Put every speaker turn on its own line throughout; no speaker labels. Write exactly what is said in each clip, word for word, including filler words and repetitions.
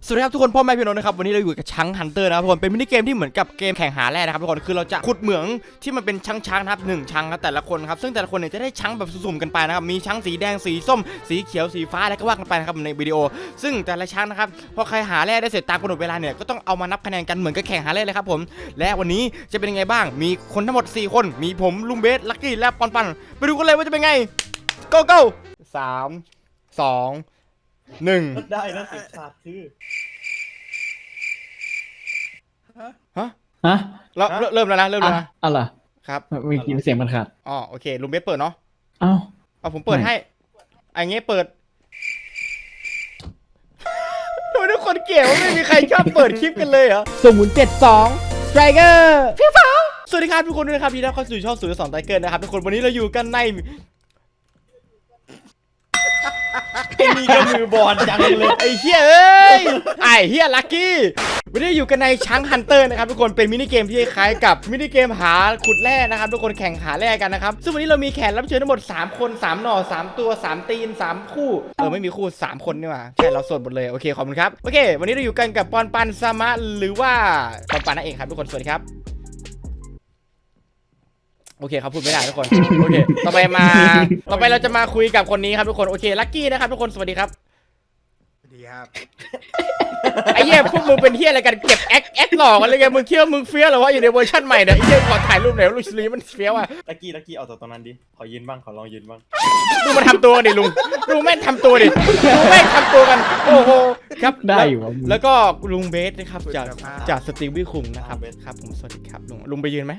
สวัสดีครับทุกคนพ่อแม่พี่น้องนะครับวันนี้เราอยู่กับช้างฮันเตอร์นะครับทุกคนเป็นมินิเกมที่เหมือนกับเกมแข่งหาแร่นะครับทุกคนคือเราจะขุดเหมืองที่มันเป็นช้างช้างนะครับหนึ่งช้างครับแต่ละคนครับซึ่งแต่ละคนเนี่ยจะได้ช้างแบบสุ่มๆกันไปนะครับมีช้างสีแดงสีส้มสีเขียวสีฟ้าอะไรก็ว่ากันไปนะครับในวิดีโอซึ่งแต่ละช้างนะครับพอใครหาแร่ได้เสร็จตามกำหนดเวลาเนี่ยก็ต้องเอามานับคะแนนกันเหมือนกับแข่งหาแร่เลยครับผมและวันนี้จะเป็นยังไงบ้างมีคนทั้งหมดสี่คนมีผมลุงเบสลักกี้และปอนปันไปดูกันเลยว่าจะเป็นไง go go สามสองหนึ่ง
ได้นะเสียงขาดคือ
ฮะ
ฮะ
เราเริ่มแล้วนะเริ่มแล้วนะ
อะไร
ครับ
มีกินเสียงมันขาด
อ๋อโอเคลุงเบสเปิดเนาะ
เอ้า
เอาผมเปิดให้ไอ้เงี้ยเปิดทำไมทุกคนเกลียดว่าไม่มีใครชอบเปิดคลิปกันเลยเหรอศูนย์เจ็ดสองสไตรเกอร์พี่ฟ้าสวัสดีครับทุกคนด้วยนะครับที่ได้เข้าสู่ช่องศูนย์สองสไตรเกอร์นะครับทุกคนวันนี้เราอยู่กันใน
ไอ้นี่ก็มือบอลจังเลย
ไอ้เฮียเอ้ยไอ้เฮียลัคกี้วันนี้อยู่กันในช้างฮันเตอร์นะครับทุกคนเป็นมินิเกมที่คล้ายกับมินิเกมหาขุดแร่นะครับทุกคนแข่งหาแร่กันนะครับซึ่งวันนี้เรามีแขกรับเชิญทั้งหมดสามคนสามหน่อสามตัวสามตีนสามคู่เออไม่มีคู่สามคนนี่หว่าแค่เราสดหมดเลยโอเคขอบคุณครับโอเควันนี้เราอยู่กันกับปอนปันซามะหรือว่าปอนปันนั่นเองครับทุกคนสวัสดีครับโอเคครับพูดไม่ได้ทุกคนโอเคต่อไปมาต่อไปเราจะมาคุยกับคนนี้ครับทุกคนโอเคลัคกี้นะครับทุกคนสวัสดีครับ
ดีครับ
ไอ้เหี้ยพวกมึงเป็นเหี้ยอะไรกันเก็บแอคแอคหลอกอะไรกันมึงคิดว่ามึงเฟี้ยวหรอวะอยู่ในเวอร์ชันใหม่เนี่ยไอ้เหี้ยขอถ่ายรูปหน่อยลูกสลีมันเฟี้ยวอ่ะ
ตะกี้ตะกี้เอาจากตรงนั้นดิขอยืนบ้างขอลองยืนบ้าง
ดูมาทำตัวดิลุงดูแม่งทำตัวดิดูแม่งทำตัวกันโอ้โหครับ
ได้อยู่วะ
แล้วก็ลุงเบสนะครับจากจากสตีวี่คุงนะครับครับผมสวัสดีครับลุงลุงไปยืนไหม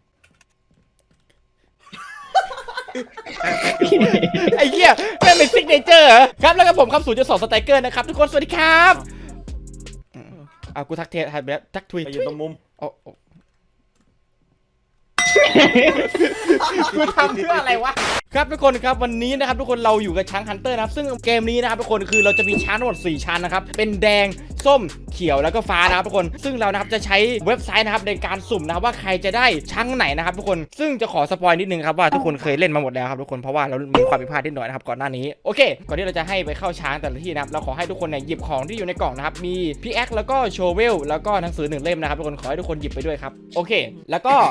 ไอ้เหี้ยแม่งเป็นซิกเนเจอร์เหรอครับแล้วก็ผมครับศูนย์จุดสองสไตรเกอร์นะครับทุกคนสวัสดีครับเอากูทักเทสทักแบบทักทวีต
ไปยืนตรงมุม
โอ้กูทำเพื่ออะไรวะครับทุกคนครับวันนี้นะครับทุกคนเราอยู่กับช้างฮันเตอร์นะครับซึ่งเกมนี้นะครับทุกคนคือเราจะมีช้างทั้งหมดสี่ชั้นนะครับเป็นแดงส้มเขียวแล้วก็ฟ้านะครับทุกคนซึ่งเรานะครับจะใช้เว็บไซต์นะครับในการสุ่มนะครับว่าใครจะได้ช้างไหนนะครับทุกคนซึ่งจะขอสปอยนิดนึงครับว่าทุกคนเคยเล่นมาหมดแล้วครับทุกคนเพราะว่าเรามีความผิดพลาดนิดหน่อยนะครับก่อนหน้านี้โอเคก่อนที่เราจะให้ไปเข้าช้างแต่ละที่นะครับเราขอให้ทุกคนเนี่ยหยิบของที่อยู่ในกล่องนะครับมีพิกแอคแล้วก็โชเวลแล้วก็หนังสือหนึ่งเล่มนะครับทุกคนขอให้ทุกคนหยิบไปด้วยครับโอเคแล้วก็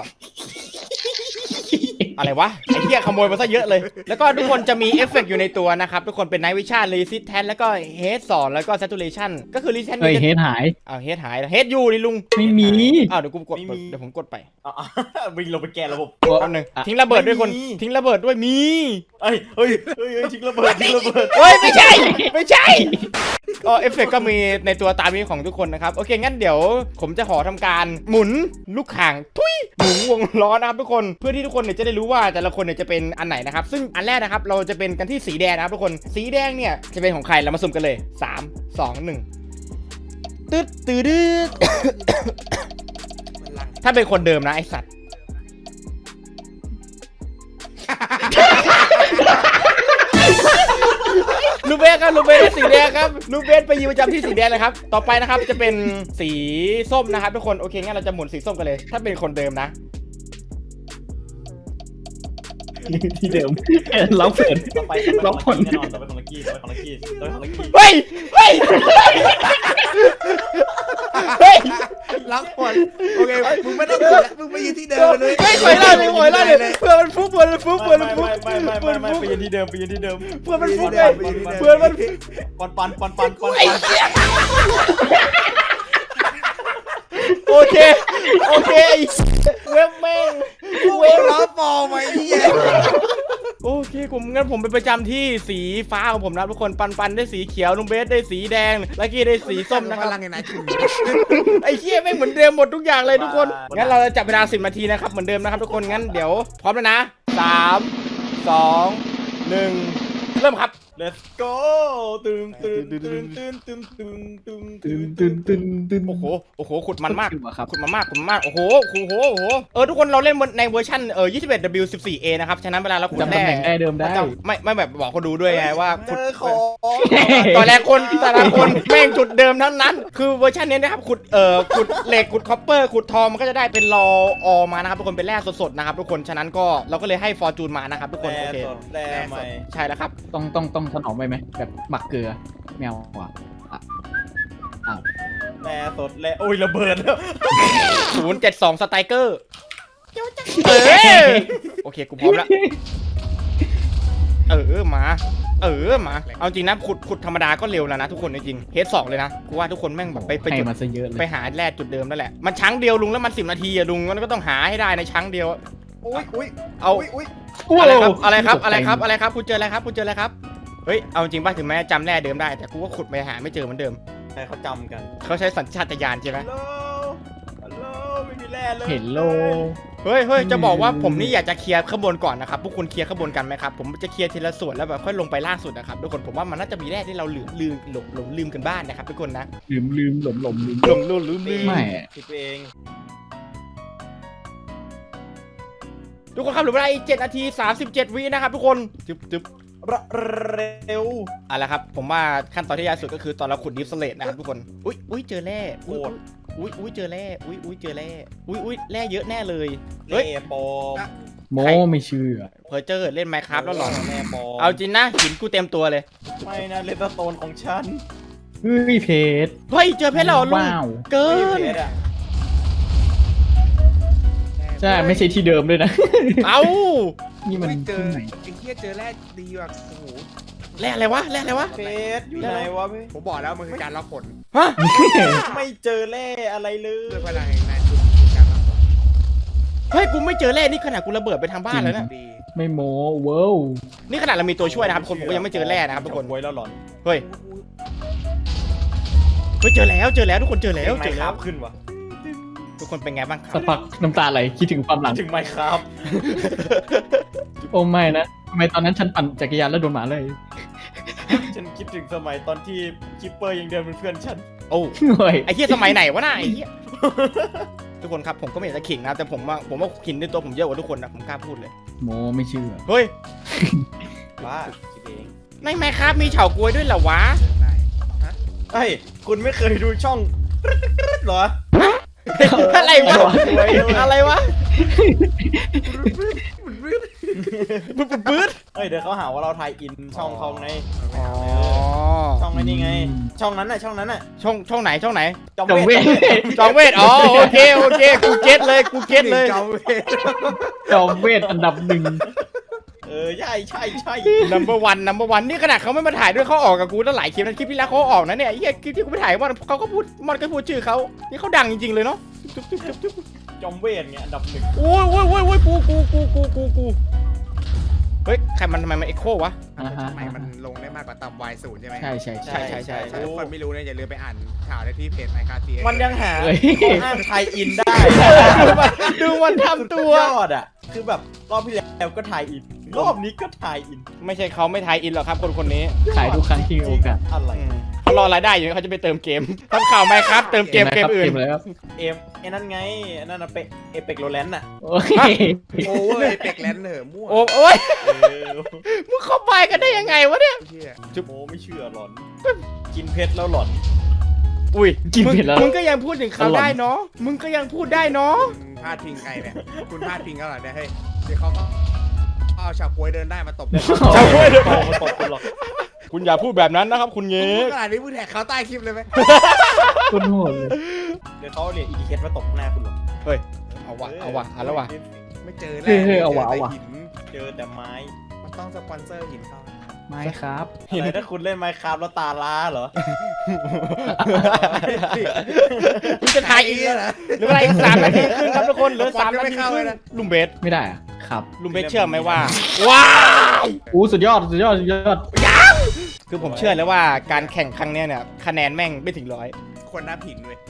อะไรวะไอ้เหี้ยขโมยมาซะเยอะเลยแล้วก็ทุกคนจะมีเอฟเฟกต์อยู่ในตัวนะครับทุกคนเป็นไนท์วิชั่นรีซิสแทนแล้วก็เฮดสองแล้วก็แซตูเรชันก็คือรีซิสแทน
เฮ้ยเฮดหาย
อ้าวเฮดหายเฮดอยู่นี่ลุง
ไม่มี
อ้าวเดี๋ยวกูกดเดี๋ยวผมกดไป
อ่ะวิ่งลงไปแกะระบบ
แป๊บนึงทิ้งระเบิดด้วยคนทิ้งระเบิดด้วยมี
เอ้ยเฮ้ยเฮ้ยทิ้งระเบิดทิ้งระเบิด
เฮ้ยไม่ใช่ไม่ใช่อ๋อเอฟเฟกต์ก็มีในตัวตามนี้ของทุกคนนะครับโอเคงั้นเดี๋ยวผมจะขอทำการหมุนลูกข่างทุยหมุนวงล้อนะครับทุกคนเพื่อที่ทุกคนเนี่ยจะได้รู้ว่าแต่ละคนเนี่ยจะเป็นอันไหนนะครับซึ่งอันแรกนะครับเราจะเป็นกันที่สีแดงนะครับทุกคนสีแดงเนี่ยจะเป็นของใครเรามาสุ่มกันเลยสาม สอง หนึ่งตึ๊ดตึ๊ดถ้าเป็นคนเดิมนะไอสัตว์ลูเบสครับลูเบสสีแดงครับลูเบสไปยืนประจำที่สีแดงเลยครับต่อไปนะครับจะเป็นสีส้มนะครับทุกคนโอเคงั้นเราจะหมุนสีส้มกันเลยถ้าเป็นคนเดิมนะ
ที่เดิมล็อกเปิด
ต่อไป
ล็อกผล
แน่นอนต่อไปของลักกี้ต่อไปของลักกี้ต่อไปของลักกี้
เฮ้ยเฮ้ยเฮ้ย
ล็อกผลโอเคมึงไม่ต้องกดแล้วมึงไปยืนที่เดิมเลย
ไม่คอยล่าเลยคอยล่าเลยเพื่อมันฟุบเพื่อมันฟุบเพื่อมันฟุบ
ไม่ไม่ไม่ไม่ไม่ไปยืนที่เดิมไปยืนที่เดิม
เพื่อมันฟุบเลยเพื่อมัน
ปอนปันปอนปันปอน
ไอ้
ปัน
เหี้ยโอเคโอเคไอ้เว็บแม่ง
เวลล้อฟอร์มไอ้เหี้ย
โอเคผมงั้นผมไปประจำที่สีฟ้าของผมนะทุกคนปันปันได้สีเขียวลุงเบสได้สีแดงลักกี้ได้สีส้มนะครับ
พลังไงนะคุณ
ไอ้เหี้ยแม่งเหมือนเดิมหมดทุกอย่างเลยทุกคนงั้นเราจะจับเวลาสิบนาทีนะครับเหมือนเดิมนะครับทุกคนงั้นเดี๋ยวพร้อมแล้วนะสามสองหนึ่งเริ่มครับ
let's go ตึงตึงตึงตึงตึงตึงตึงตึ
ตื่
ง
นตื่นตื่นตื่น
โอ้โหโอ้โหขุดมันมาก
ครับ
ขุดมันมากขุดมันมากโอ้โหโอ้โหโอ้โหเออทุกคนเราเล่นในเวอร์ชันเออ ยี่สิบเอ็ด ดับเบิลยู สิบสี่ เอ นะครับฉะนั้นเวลาเราขุด
จำ
แร่
ตำแหน่งได้เดิมได้
จำไม่ไม่แบบบอกเขาดูด้วยไงว่า
เจ
ขุด
อของ
ตอนแรกคนแต่ละคนแม่งจุดเดิมทั้งนั้นคือเวอร์ชันนี้นะครับขุดเอ่อขุดเหล็กขุดคอปเปอร์ขุดทองมันก็จะได้เป็นรอออมานะครับทุกคนเป็นแร่สดๆนะครับทุกคนฉะนั้นก็เราก็เลยให้ฟอร์จูนมานะครับทุกคนโอเค
แร่ใหม่
ใช่แล้วครับ
ต้องต้องต้องถนอมไปไหมแบบหมักเกลือแมวอ่ะอ่ะอ้าว
แร่สดแร่โอ้ยระเบิดแล้ว
ศูนย์เจ็ดสองสไตรเกอร์เออโอเคกูพร้อมแล้วเออมาเออมาเอาจริงนะขุดขุดธรรมดาก็เร็วแล้วนะทุกคนจริงเฮดสองเลยนะกูว่าทุกคนแม่งแบบไปไป
ให้
จุด
มาซะเยอะเลย
ไปหาแร่จุดเดิมนั่นแหละมันช้างเดียวลุงแล้วมันสิบนาทีอะลุงมันก็ต้องหาให้ได้ในช้างเดียว
อุ้ยอุ้ย
เอา
อุ้ยอุ้ย
อะไรครับอะไรครับอะไรครับอะไรครับคุณเจออะไรครับคุณเจออะไรครับเฮ้ยเอาจริงป่ะถึงแม้จำแร่เดิมได้แต่กูก็ขุดไปหาไม่เจอเหมือนเดิม
ใครเขาจำกัน
เขาใช้สัญชาตญาณใช่ไหม
ฮัลโหลฮัลโหลไม่มีแร่เลย
เห็นโล
เฮ้ยเฮ้ยจะบอกว่าผมนี่อยากจะเคลียร์ข้างบนก่อนนะครับพวกคุณเคลียร์ข้างบนกันไหมครับผมจะเคลียร์ทีละส่วนแล้วแบบค่อยลงไปล่างสุดนะครับทุกคนผมว่ามันน่าจะมีแร่ที่เราลืมลืมหลงหลงลืมกันบ้างนะครับทุกคนนะ
ลืมลืมหลมหลมลืม
หลงลืมลืมลืม
ไม่
ผิดไปเอง
ทุกคนครับเหลือเวลาอีกเจ็ดนาทีสามสิบเจ็ดวินะครับทุกคนจึ๊บจึ๊บ
เร็ว
เอาละครับผมว่าขั้นตอนที่ยากสุดก็คือตอนเราขุดดิฟสเลตนะครับทุกคนอุ้ยอุ้ยเจอแร่อุ้ยอุ้ยอุ้ยเจอแร่อุ้ยอุ้ยเจอแร่อุ้ยอุ้ยแร่เยอะแน่เลยเฮ้ย
แร่ปลอม
โมไม่เชื่อ
เพอเจอเล่นไมค์ครับแล้วหรอ
แร่ปลอม
เอาจริงนะหินกูเต็มตัวเลย
ไม่นะเลตโตนของฉัน
เฮ้ยเพชร
เฮ้ยเจอเพชรแล้วเหรอลุง
ว้าว
เกิ
ไม่
น
เพชรอะ
ใช่ไม่ใช่ที่เดิมด้วยนะ
เอา
นี่มัน
ไม่เจอ
ที่ไหน
ไอ้เหี้ยเจอแร่ดีว่ะโอ้โห
แร่อะไรวะแร่อะไรวะ
เพชรอยู่ไหนวะพี่
ผมบอกแล้วมันคือการล็อกผล
ฮะ
ไม่เจอแร่อะไรเลย
ด้วยพลังแห่งนายทุนคือการล็อกผล
เฮ้ยกูไม่เจอแร่นี่ขนาดกูระเบิดไปทางบ้านแล้วนะ
ดี
ไม่โมเว้าว
นี่ขนาดเรามีตัวช่วยนะครับทุกคนผมก็ยังไม่เจอแร่นะครับทุกคน
ไว้แล้วหลอน
เฮ้ยเฮ้ยเจอแล้วเจอแล้วทุกคนเจอแล้ว
ไม
เจอ
ค์ค
แล้
ราว บขึ้นวะ
ทุกคนเป็นไงบ้างค
สั
รั
ก
บ
พักน้ำตาไหลคิดถึงความหลัง
ถึงไมค์ครับ
โอ้ไม่นะทำไมตอนนั้นฉันปั่นจักรยานแล้วโดนหมาเลย
ฉันคิดถึงสมัยตอนที่คิปเปอร์ยังเดินเป็นเพื่อนฉัน
โอ้
เฮ้ย
ไอ้เหี้ยสมัยไหนวะน่ะไอ้เหี้ยทุกคนครับผมก็ไม่อยากจะขิงนะแต่ผมว่าผมว่าขิงในตัวผมเยอะกว่าทุกคนนะผมกล้าพูดเลย
โมไม่เชื่อ
เฮ้ย
ว่าคิดเอง
ในไมค์ครับมีเฉากล้วยด้วยเหรอวะ
ได้
เฮ้ยคุณไม่เคยดูช่องเหรอ
อะไรวะอะไรวะปื๊ดปื๊ดปื๊ด
เฮ้ยเดี๋ยวเขาหาว่าเราถ่ายอินช่องเขาไง
อ๋อ
ช่องไอ้นี่ไง ช่องนั้นน่ะช่องนั้นน่ะ
ช่องช่องไหนช่องไหน
จอม
จง
เว
เว
ท
ท
จองเวทอ๋อโอเคโอเคกูเก็ตเลยกูเก็ตเลย
จอมเวท
จอมเวทอันดับหนึ่ง
เออใช่ใช่ใช่
number one number one นี่ขนาดเขาไม่มาถ่ายด้วยเขาออกกับกูตั้งหลายคลิปนะคลิปที่แล้วเขาออกนะเนี่ยไอ้เหี้ยคลิปที่กูไปถ่ายมันเขาก็พูดมันก็พูดชื่อเขานี่เขาดังจริงๆเลยเนาะจุ๊บจุ๊บจุ๊บจุ๊บ
จอมเวทเนี่ยอันดับหนึ่ง
โอ้ยโอ้ยโอ้ยโอ้ยกูกูกูกูกูกูเฮ้ยใครมันทำไมมันเอ็กโควะ
อ่าฮะ
ทำไมมันลงได้มากกว่าต่ำวายศูนย์ใช่ไหม
ใช่ใช่ใช่
ใช่ใช่ใช่
ถ้าคนไม่รู้เนี่ยอย่าลืมไปอ่านข่าวได้ที่เพจไมค์คาที
มันยังหา
เฮ้ย
ข้ออ้างไทยอินได้
ดูมันทำตัว
ยอดอ่ะคือแบบรอบที่แล้วก็ถ่ายอินรอบนี้ก็ถ่ายอิน
ไม่ใช่เขาไม่ทายอินหรอกครับคนคนนี้
ขายทุกครั้งที่มีโอกาส
อะไร
อืมเขารอรายได้อยู่เขาจะไปเติมเกมทำข่าวไหมครับเติมเกมเกมอื่น
เกมอะไรครับ
เอมไอ้นั่นไงไอ้นั่นน่ะเปเอเปกโรแลนด์น่ะ
โอ้ย
โอเวอร์ไอเป็กแลนด์เหรอมั่ว
โอ้โอ้ย
เออ
มึงเข้าไปกันได้ยังไงวะเนี่ย
เหี้ย
โมไม่เชื่อหลอน กินเพชรแล้วหลอน
อุ้ย
กินเผ็ดแล้ว
มึงก็ยังพูดถึงเขา
อร่อย
ได้เนาะมึงก็ยังพูดได้เนาะ
คุณพลาดพิงใครเนี่ยคุณพลาดพิงเขาเหรอเนี่ยเฮ้ยเดี๋ยวเขาก็เอาชาวกล้วยเดินได้มาตบ
ชาวกล้วยเดิน
โตมาตบคุณหรอก
คุณอย่าพูดแบบนั้นนะครับคุณเงี้
พูดขนาดนี้พูดแท็กเขาใต้คลิปเลยไหม
คุณโหดเลย
เดี๋ยวเขาเรียกอีดิเคสมาตบหน้าคุณหรอก
เฮ้ยเอาวะเอาวะเอาแล้ววะ
ไม่เจอ
เฮ้
แร่
ยเฮ้ยเอาวะเอาวะ
จแต่หิน
เจอแต่ไม้
มันต้องสปอนเซอร์หินเขา
ไม่ครับ
อะไรถ้าคุณเล่นไมค์คราฟแล้วตาล้าเหรอ
มึงจะทายอีก
เหรอ
เหลือเวลาอีกสามนาทีครึ่งครับทุกคนเหลือสาม
ยัง
นา
ไม่
ที
เข้า
ค
เล
รึ่
ย
ง
นะ
ลุงเบส
ไม่ได้อะครับ
ลุงเบสเชื่อไหมว่าว้าย
อู้สุดยอดสุดยอดสุดยอด
คือผมเชื่อเลยว่าการแข่งครั้งเนี้ยเนี่ยคะแนนแม่งไม่ถึงร้อย
คนนับหินเว้ย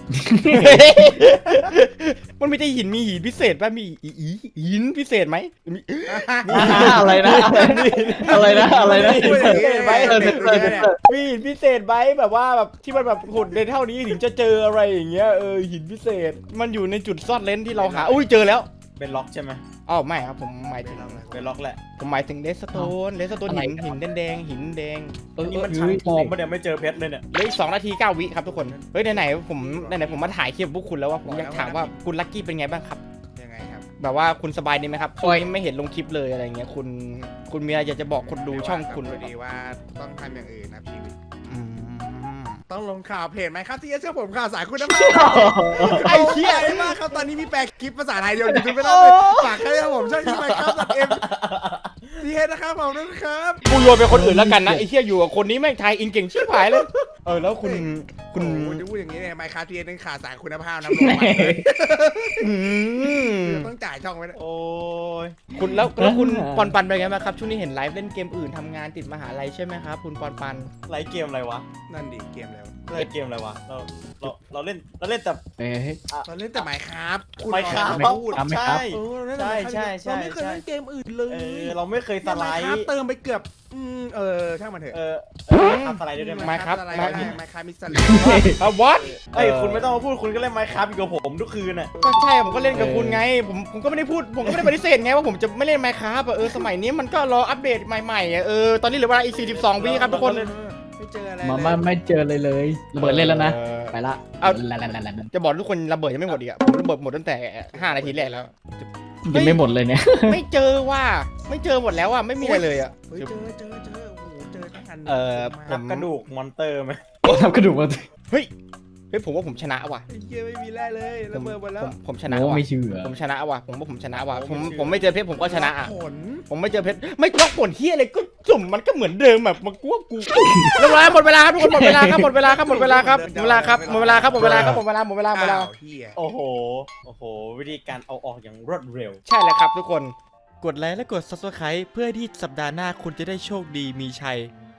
มันไม่ใช่หินมีหินพิเศษป่ะมีอีอีหินพิเศษไหมมี
อะไรนะอะไรนะอะไรนะ
พูดอย่างนี้เลย
เออเออเออเออ
มีหินพิเศษไหมแบบว่าแบบที่มันแบบขุดในเท่านี้ถึงจะเจออะไรอย่างเงี้ยเออหินพิเศษมันอยู่ในจุดซ่อนเลนที่เราหาอุ้ยเจอแล้ว
เป็นล็อกใช่ไหม
อ้าวไม่ครับผมหมายถึง
เป็นล็อกแหละ
ผมหมายถึงเลสโตนเลสโตนหินหินแดงๆหินแดง
เออ
นี่มัน
เอ
ชั้น
อ
ทองปะเนี่ยไม่เจอเพชรเลยเนี่ย
เหลืออีกสองนาทีเก้าวิครับทุกคนเฮ้ยไหนๆผมไหนๆผมมาถ่ายคลิปพวกคุณแล้วว่าผมอยากถามว่าคุณลัคกี้เป็นไงบ้างครับ
ยังไงครับ
แบบว่าคุณสบายดีไหมครับช่วงนี้ไม่เห็นลงคลิปเลยอะไรเงี้ยคุณคุณมีอะไรอยากจะบอกคนดูช่องคุณ
พ
หรือ
อ
เปล่า
ดีว่าต้องทำอย่างอื่นนะชีวิต
อืม
ต้องลงข่าวเพจไหมครับที่จะเชื่อผมข่าวสายคุณภาพไอ้เชี่ยไอ้มากครับตอนนี้มีแปลคลิปภาษาไทยเดียวยูทูบไม่ได้เลยฝากให้ผมช่องที่ไหมครับตัดเอ็มทีเอสนะครับผมนะครับ
กูโยนไปคนอื่นแล้วกันนะไอ้เชี่ยอยู่กับคนนี้แม่งไทยอินเก่งชิบหายเลยเออแล้วคุณคุณ
คุณจะพูดอย่างนี้เนี่ยไมค์คาทีเอสนึงขาดสายคุณภาพนะลงมาเลย
อืม
ต้องจ่ายช่องไว้นะ
โอ้ย
คุณแล้วแล้วคุณปอนปันเป็นไงบ้างครับช่วงนี้เห็นไลฟ์เล่นเกมอื่นทำงานติดมหาลัยใช่ไหมครับคุณปอนปัน
ไลฟ์เกมอะไรวะ
นั่นดิเกมแล้ว
เล่นเกมอะไรวะเราเราเราเล่นเราเล่นแต่
เอ้ย
เราเล่นแต่ไมค์ครับ
Minecraft
พูด
ครับ
ใช่
เออเราเล่นแต่
ใช่
Minecraft
ใช่ใช่
เราไม่เคยเล่นเกมอื่นเลย
เออเราไม่เคยสไล
ไมค์
ด์
ครับเติมไปเกือบอืมเออช่างมันเถอะ
เออเออทำสไลด์ด้วยได้ไหม
Minecraft
อะไร
Minecraft
ไมค์ครับมิสเตอร์
อ่ะ what
เอ้ยคุณไม่ต้องมาพูดคุณก็เล่นไมค์ครับอยู่กับผมทุกคืนน่ะ
ก็ใช่ผมก็เล่นกับคุณไงผมผมก็ไม่ได้พูดผมก็ไม่ได้ปฏิเสธไงว่าผมจะไม่เล่นไมค์ครับเออสมัยนี้มันก็รออัปเดตใหม่ๆอ่ะเออตอนนี้เหลือเวลาอีกสี่สิบสองวิครับทุกคน
ไม่เจออะไร
มามาไม่เจอเลยเลยระเบิดเล่นแล้วนะ
ออ
ไปละ
เอา
ละละละละละ
จะบอกทุกคนระเบิดยังไม่หมดอีกอ่ะผมระเบิดหมดตั้งแต่ห้านาทีแรกแล้ว
ยังไม่หมดเลยเนี่ย
ไม่เจอว่าไม่เจอหมดแล้วอ่ะไม่มีอะไรเลยอ่ะ
เฮ้ยเจอเจอเจอโอ้โหเจอทั้งอัน
เออผ
นับ
ม
กระดูกมอนเตอร์ไหม
ทำกระดูกมา
เฮ้ยเฮ้ยผมว่าผมชนะว่ะ
ไอ้เหี้ยไม่มีแร่เลย
ผ
ระ
ม
เบิดหมดแล้ว
ผมผมชนะ
โอ้
ว่ะ
ไม่เชื่อ
ผมชนะว่ะผมว่าผมชนะว่ะผมผมไม่เจอเพชรผมก็ชนะอ่ะ
ผล
ผมไม่เจอเพชรไม่ล็อกผลที่อะไรก็จุ่มมันก็เหมือนเดิมแบบมันกลัวกูเรียบร้อยหมดเวลาครับทุกคนหมดเวลาครับหมดเวลาครับหมดเวลาครับหมดเวลาครับหมดเวลาครับหมดเวลาครับหมดเวลาหมดเวลาหมดเวลา
อ้าวเหี้ย
โอ้โหโอ้โหวิธีการเอาออกอย่างรวดเร็ว
ใช่แล้วครับทุกคนกดไลค์และกด ซับสไครบ์ เพื่อที่สัปดาห์หน้าคุณจะได้โชคดีมีชัย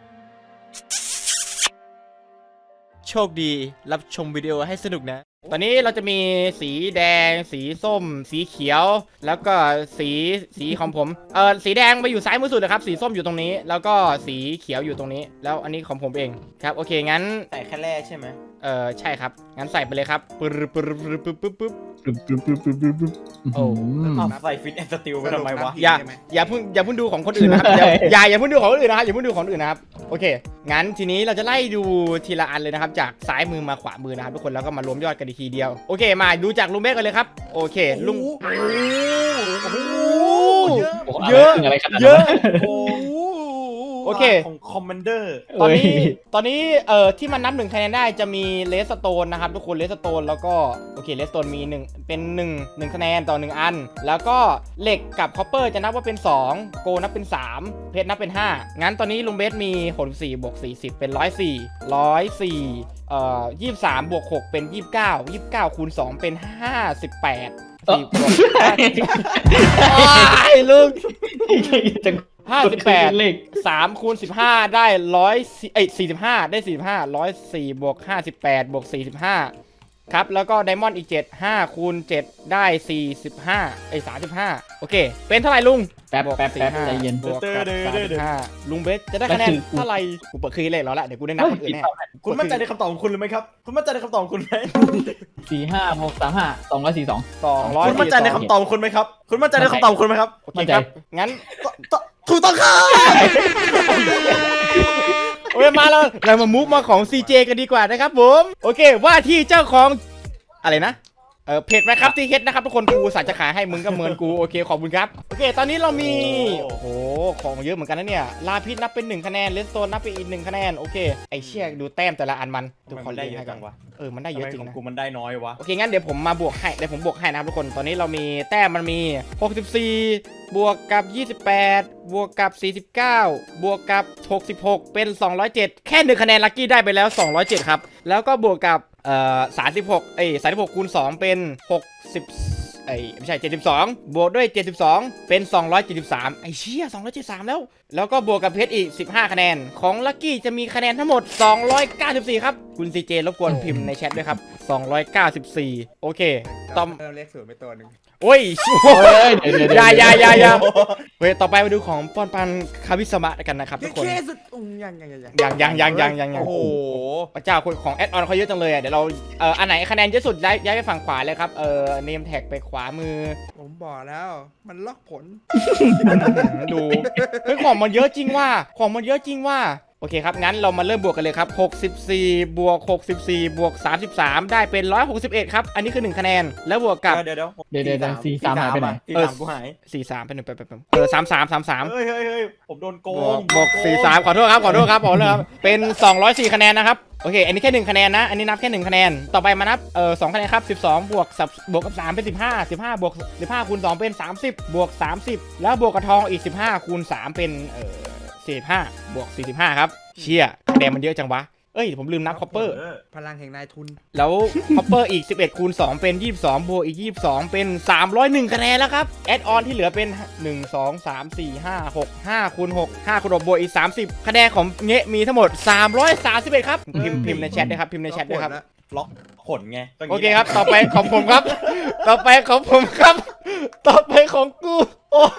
โชคดีรับชมวิดีโอให้สนุกนะ ตอนนี้เราจะมีสีแดง สีส้ม สีเขียว แล้วก็สีสีของผมเออสีแดงไปอยู่ซ้ายมือสุดเลยครับสีส้มอยู่ตรงนี้ แล้วก็สีเขียวอยู่ตรงนี้ แล้วอันนี้ของผมเองครับโอเคงั้น
แต่แค่แร่ใช่ไหม
เออใช่ครับงั้นใส่ไปเลยครับปึ๊บปึ๊บปึ๊บปึ๊บปึ๊บปึ๊บ
ปึ๊บปึ๊บปึ๊บปึ๊บปึ๊บปึ๊บ
โอ้
อ้าวใส่ฟิตแอนด์สติลไปทำไมวะ
อย่าอย่าเพิ่งอย่าเพิ่งดูของคนอื่นนะครับอย่าอย่าอย่าเพิ่งดูของคนอื่นนะครับอย่าเพิ่งดูของคนอื่นนะครับโอเคงั้นทีนี้เราจะไล่ดูทีละอันเลยนะครับจากซ้ายมือมาขวามือนะครับทุกคนแล้วก็มารวมยอดกันอีกทีเดียวโอเคมาดูจากลุงเบสกันเลยครับโอเคลุง
โอ้โห
เยอะ
โอ้โห
เยอะ
อะไรอะไรขนาดนั้น
เยอะ
โอ้โห
โอเค
ของคอมมานเดอร์
ตอนนี้
เอ้ย
ตอนนี้เอ่อที่มันนับหนึ่งคะแนนได้จะมีเลสโตนนะครับทุกคนเลสโตนแล้วก็โอเคเลสโตนมีหนึ่งเป็นหนึ่ง หนึ่งคะแนนต่อหนึ่งอัน แล้วก็เหล็กกับคอปเปอร์จะนับว่าเป็นสองโกนับเป็นสามเพชรนับเป็นห้างั้นตอนนี้ลุงเบสมีหกสิบสี่บวกสี่สิบเป็นหนึ่งร้อยสี่ หนึ่งร้อยสี่เอ่อยี่สิบสามบวกหกเป็นยี่สิบเก้า ยี่สิบเก้าคูณสองเป็นห้าสิบแปดสี่บวกไอ้ลุง
จัง
ห้าสิบแปด
เลข
สามคูณสิบห้าได้ร้อยเอ้ยสี่สิบห้าได้สี่สิบห้าร้อยสี่บวกห้าสิบแปดบวกสี่สิบห้าครับแล้วก็ไดมอนด์อีกเจ็ด ห้าคูณเจ็ดได้สี่สิบห้าไอ้สามสิบห้าโอเคเป็นเท่าไหร่ลุง
แป๊บ
วก
แป๊บ
สี่
แป๊บ
ห้า
ใจเย็น
บวกกับสามสิบห้าลุงเบสจะได้คะแนนเท่าไหร่กูเปิดคืนเลยแล้วละเดี๋ยวกูได้นับคนอื่นแน่
คุณมั่นใจในคำตอบของคุณหรือไม่ครับคุณมั่นใจในคำตอบของคุณไหม
สี่ห้าหกสามห้าสองร้อยสี่สอง
สองร้อย
คุณมั่นใจในคำตอบของคุณไหมครับคุณมั่นใจในคำตอบของคุณไหมครับ
โอเคครับงั้น
ถูกต้องครับ
โอเคมาแล้วเรามามุกมาของ ซี เจ กันดีกว่านะครับผมโอเคว่าที่เจ้าของอะไรนะเออเพจไหมครับที่เฮ็ดนะครับทุกคนกูสัตว์จะขายให้มึงก็เหมือนกูโอเคขอบคุณครับโอเคตอนนี้เรามีโอ้โหของเยอะเหมือนกันนะเนี่ยลาพิษนับเป็นหนึ่งคะแนนเลสโตนนับเป็นอีกหนึ่งคะแนนโอเคไอเชี่ยดูแต้มแต่ละอันมัน
ทำไมมันได้เยอะจังวะ
เออมันได้เยอะจริง
ทำไมข
นะ
กูมันได้น้อยวะ
โอเคงั้นเดี๋ยวผมมาบวกให้เดี๋ยวผมบวกให้นะครับทุกคนตอนนี้เรามีแต้มมันมีหกสิบสี่บวกกับยี่สิบแปดบวกกับสี่สิบเก้าบวกกับหกสิบหกเป็นสองร้อยเจ็ดแค่หนึ่งคะแนนลัคกี้ได้ไปแล้วสองร้อยเจ็ดครับแล้วก็บวกกับเอ่อสามสิบหกเอ้ยสามสิบหกคูณสองเป็นหกสิบเอ้ยไม่ใช่เจ็ดสิบสองบวกด้วยเจ็ดสิบสองเป็นสองร้อยเจ็ดสิบสามไอ้เชี่ยสองร้อยเจ็ดสิบสามแล้วแล้วก็บวกกับเพชรอีกสิบห้าคะแนนของลัคกี้จะมีคะแนนทั้งหมดสองร้อยเก้าสิบสี่ครับคุณ ซี เจ รบกวนพิมพ์ในแชทด้วยครับสองร้อยเก้าสิบสี่โอเคต่อ
เริ่มเลขศูนย์ไปตัวหนึ่ง
โอ้ย
เฮ้ยเดี๋ยวเดี๋ยว
อย่าอย่าอย่าอย่าเฮ้ยต่อไปมาดูของปอนปันคาวิสมะกันนะครับทุกคน
เคสุดอุ้งยังยังยังยัง
ยังยังยังยังยังยัง
โอ้โห
พระเจ้าคนของแอดออนเขาเยอะจังเลยอ่ะเดี๋ยวเราเอ่ออันไหนคะแนนเยอะสุดย้ายย้ายไปฝั่งขวาเลยครับเอ่อเนมแท็กไปขวามือ
ผมบอกแล้วมันล็อกผล
ดูเฮ้ยของมันเยอะจริงว่าของมันเยอะจริงว่าโอเคครับงั้นเรามาเริ่มบวกกันเลยครับหกสิบสี่บวกหกสิบสี่บวกสามสิบสามได้เป็นหนึ่งร้อยหกสิบเอ็ดครับอันนี้คือหนึ่งคะแนนแล้วบวกกับ
เดี๋ยวเดี๋ยว
เดี๋ยวเดี๋ยวเดี๋ยวสี่สามหายไปไหน
สี่สามกูหาย
สี่สามเป็นหนึ่งไปไปไปเออสามสามสามสาม
เฮ้ยเฮ้ยเฮ้ยผมโดนโก
บว
ง
กบวกสี่สามขอโทษครับขอโทษครับขอโทษครับเป็นสองร้อยสี่คะแนนนะครับโอเคอันนี้แค่หนึ่งคะแนนนะอันนี้นับแค่หนึ่งคะแนนต่อไปมานับเออสองคะแนนครับสิบสองบวกบวกกับสามเป็นสิบห้า สิบห้าบวกสิบห้าคูณสองเป็นสามสิบบวกสามสิบแล้วบวกกับทองอีกสิบห้าคูณสามเป็นเออสี่สิบห้าบวกสี่สิบห้าครับเชี่ยคะแนนมันเยอะจังวะเอ้ยผมลืมนับคอปเปอร์
พลังแห่งนายทุน
แล้วคอปเปอร์อีกสิบเอ็ดคูณสองเป็นยี่สิบสองบวกอีกยี่สิบสองเป็นสามร้อยเอ็ดคะแนนแล้วครับแอดออนที่เหลือเป็นหนึ่ง สอง สาม สี่ ห้า หก ห้าคูณหก ห้าคูณหกบวกอีกสามสิบคะแนนของเงะมีทั้งหมดสามร้อยสามสิบเอ็ดครับพิมพ์พิมพ์ในแชทด้วยครับพิมพ์ในแชทด้วยครับ
ล็อกขนไง
โอเคครับต่อไปของผมครับ ต่อไปของผมครับ ต่อไปของกูโอ้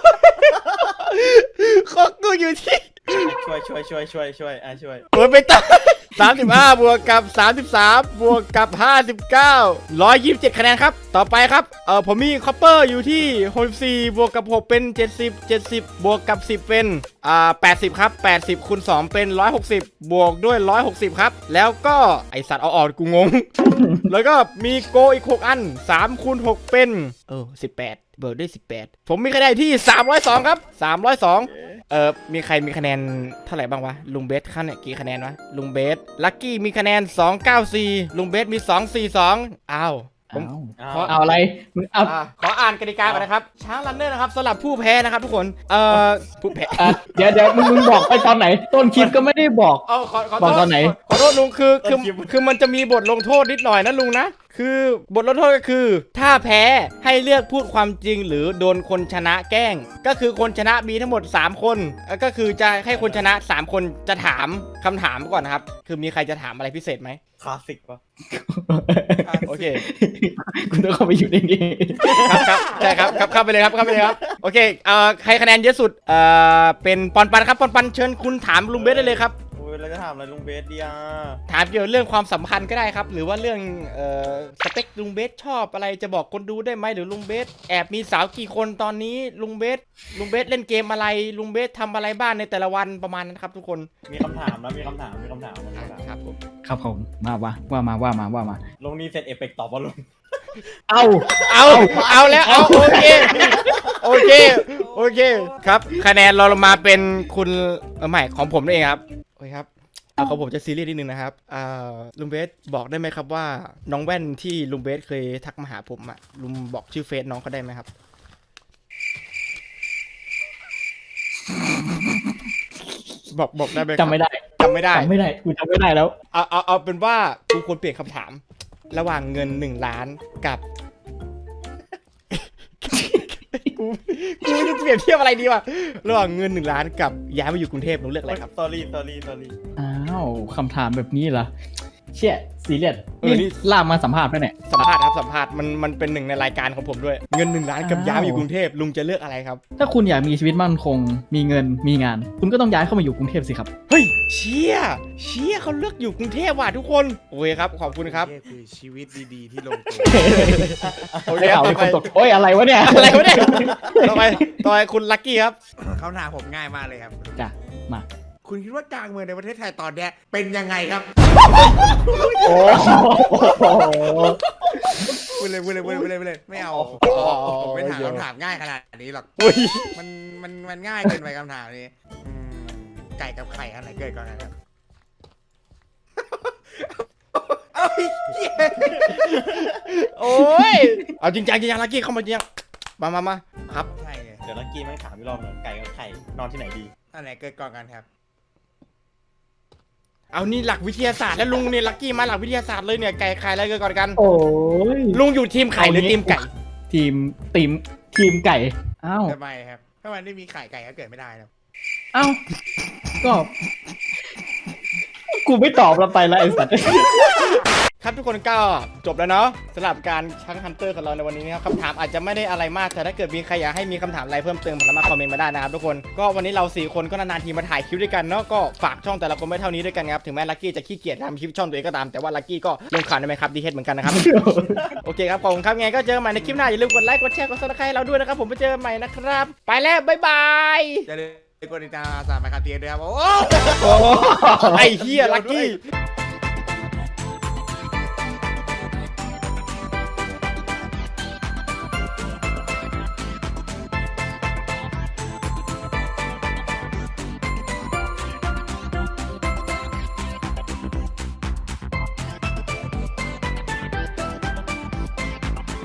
ของกูอยู่ที่
ช่วยช่วยช่วยช่วยช่วยอ่ะช่วย
โอ้ยไปต่อสามสิบห้าบวกกับสามสิบสามบวกกับห้าสิบเก้า ร้อยยี่สิบเจ็ดคะแนนครับต่อไปครับเออผมมีคอปเปอร์อยู่ที่หกสิบสี่บวกกับหกเป็นเจ็ดสิบ เจ็ดสิบบวกกับสิบเป็นอ่าแปดสิบครับแปดสิบคูณสองเป็นหนึ่งร้อยหกสิบบวกด้วยหนึ่งร้อยหกสิบครับแล้วก็ไอสัตว์เอาออกกูงง แล้วก็มีโกอีกหกอันสามคูณหกเป็นเออสิบแปดเบิร์ดได้สิบแปดผมมีคะแนนที่สามร้อยสองครับสามร้อยสองเออมีใครมีคะแนนเท่าไหร่บ้างวะลุงเบสขั้นเนี่ยกี่คะแนนวะลุงเบสลัคกี้มีคะแนนสองร้อยเก้าสิบสี่ลุงเบสมีสองร้อยสี่สิบสองอ้าวผม
เอาเอาอะไรมึงเอา
อ่าขออ่านกติกาก่อนนะครับช้างรันเนอร์นะครับสำหรับผู้แพ้นะครับทุกคนเอ่อผู้แพ้
อ่ะเดี๋ยวเดี๋ยวมึงมึงบอกไปตอนไหน ต้นคลิปก็ไม่ได้บอก
เอาขอขอ
บอก
โท
ต
ษ
อนไหน
ขอโทษลุงคือคือคือมันจะมีบทลงโทษนิดหน่อยนะลุงนะคือบทลงโทษก็คือถ้าแพ้ให้เลือกพูดความจริงหรือโดนคนชนะแกล้ง ก็คือคนชนะมีทั้งหมดสามคนแล้วก็คือจะให้คนชนะสามคนจะถามคำถามก่อนนะครับคือมีใครจะถามอะไรพิเศษไหม
คลาสสิกปะ
โอเค
คุณต้องเข้าไปอยู่ในนี้
ครับครับใช่ครับครับเข้าไปเลยครับเข้าไปเลยครับโอเคเอ่อใครคะแนนเยอะสุดเอ่อเป็นปอนปันครับปอนปันเชิญคุณถามลุงเบสได้เลยครับ
โอ้ยเราจะถามอะไรลุงเบสดีอ่ะ
ถามเกี่ยวกับเรื่องความสัมพันธ์ก็ได้ครับหรือว่าเรื่องเอ่อสเปคลุงเบสชอบอะไรจะบอกคนดูได้ไหมหรือลุงเบสแอบมีสาวกี่คนตอนนี้ลุงเบสลุงเบสเล่นเกมอะไรลุงเบสทำอะไรบ้างในแต่ละวันประมาณนั้นครับทุกคน
มีคำถามนะมีคำถามมีคำถามมีคำถาม
ครับผม
ครับผมมาว่าว่ามาว่ามาว่ามา
ลงนี่เสร็จเอฟเฟกต์ตอบว่าลง
เอา
เอาเอาแล้วเอาโอเคโอเคโอเคครับคะแนนเราลงมาเป็นคุณเออใหม่ของผมนั่นเองครับโอเคครับเอาของผมจะซีเรียสนิดนึงนะครับอ่าลุงเบสบอกได้ไหมครับว่าน้องแว่นที่ลุงเบสเคยทักมาหาผมอะลุงบอกชื่อเฟซน้องเขาได้ไหมครับบอกบอกได้ไหมครับ
จำไม่ได้
จำไม่ได้
จำไม่ได้กูจำไม่ได้แล้ว
เอาเอาเอาเป็นว่ากูควรเปลี่ยนคำถาม ระหว่างเงินหนึ่งล้านกับ กูกูจะเปรียบเทียบอะไรดีวะระหว่างเงินหนึ่งล้านกับย้ายมาอยู่กรุงเทพหนูเลือกอะไรครับ
สตอรี่สตอรี่สตอรี่
อ้าวคำถามแบบนี้เหรอเชี่ยซีเรียส
เออนี่
นี่ลากมาสัมภาษณ์ไปเนี่ย
สัมภาษณ์ครับสัมภาษณ์มันมันเป็นหนึ่งในรายการของผมด้วยเงินหนึ่งล้านกับย้ายมาอยู่กรุงเทพลุงจะเลือกอะไรครับ
ถ้าคุณอยากมีชีวิตมั่นคง มีเงินมีงาน คุณก็ต้องย้ายเข้ามาอยู่กรุงเทพสิครับ
เฮ้ยเชี่ยเชี่ยเขาเลือกอยู่กรุงเทพว่ะทุกคนโอเคครับขอบคุณครับ
นี่คือชีวิตดีๆที่ลงตัว
โอเค
ได้
ครับ
ข่าว
ต่
มี
อ
ค
ไป
นตกโอ้ยอะไรวะเนี่ย
อะไรวะเนี่ยต่อไปต่อไปคุณลัคกี้ครับ
คำถามผมง่ายมากเลยครับ
จ้ะมา
คุณคิดว่ากลางเมืองในประเทศไทยตอนเนี้ยเป็นยังไงครับ
โอ้โห
พูดเลยพูดเลยพูดเลยพูดเลยพูดเลยไม่เอาผมไม่ถามคำถามง่ายขนาดนี้หรอก
อุ้ย
มันมันมันง่ายเกินไปคำถามนี้อืมไก่กับไข่อันไหนเกิดก่อนกันครับ เอาอีกเหี้ย
โอ้ยเอาจริงจังจริงจังลัคกี้เข้ามาจริงจังมามามาครับ
ใช่ไง
เดี๋ยวลักกี้แม่งถามพี่รอบหนึ่งไก่กับไข่นอนที่ไหนดี
อันไหนเกิดก่อนกันครับ
เอานี่หลักวิทยาศาสตร์แล้วลุงเนี่ยลัคกี้มาหลักวิทยาศาสตร์เลยเนี่ยไก่ไข่อะไรเกิดก่อนกัน
โอ้ย
ลุงอยู่ทีมไข่หรือทีมไก่
ทีมทีมทีมไก่อ้าว
ทำไมครับถ้ามันไม่มีไข่ไก่ก็เกิดไม่ได้นะ
อ้าวก็ กูไม่ตอบเราไปแล้วไอ้สัตว์
ครับทุกคนก็จบแล้วเนาะสำหรับการช้างฮันเตอร์ของเราในวันนี้นะครับคำถามอาจจะไม่ได้อะไรมากแต่ถ้าเกิดมีใครอยากให้มีคำถามอะไรเพิ่มเติมผมสามารถคอมเมนต์มาได้นะครับทุกคนก็วันนี้เราสี่คนก็นานๆทีมาถ่ายคลิปด้วยกันเนาะก็ฝากช่องแต่ละคนไม่เท่านี้ด้วยกันครับถึงแม้ลัคกี้จะขี้เกียจทำคลิปช่องตัวเองก็ตามแต่ว่าลัคกี้ก็ลงข่าวในไหมครับดีเฮดเหมือนกันนะครับ โอเคครับขอบคุณครับไงก็เจอกันใหม่ในคลิปหน้าอย่าลืมกดไลค์กดแชร์กดซับสไครต์เราด้วยนะครับผมไปเจอกันใหม่นะครับไปแล้วบ๊ายบาย
อย่าลืกดติดตามสามไมค์คาเทียด้วยครับโอ้
ไอ้เฮียลักกี้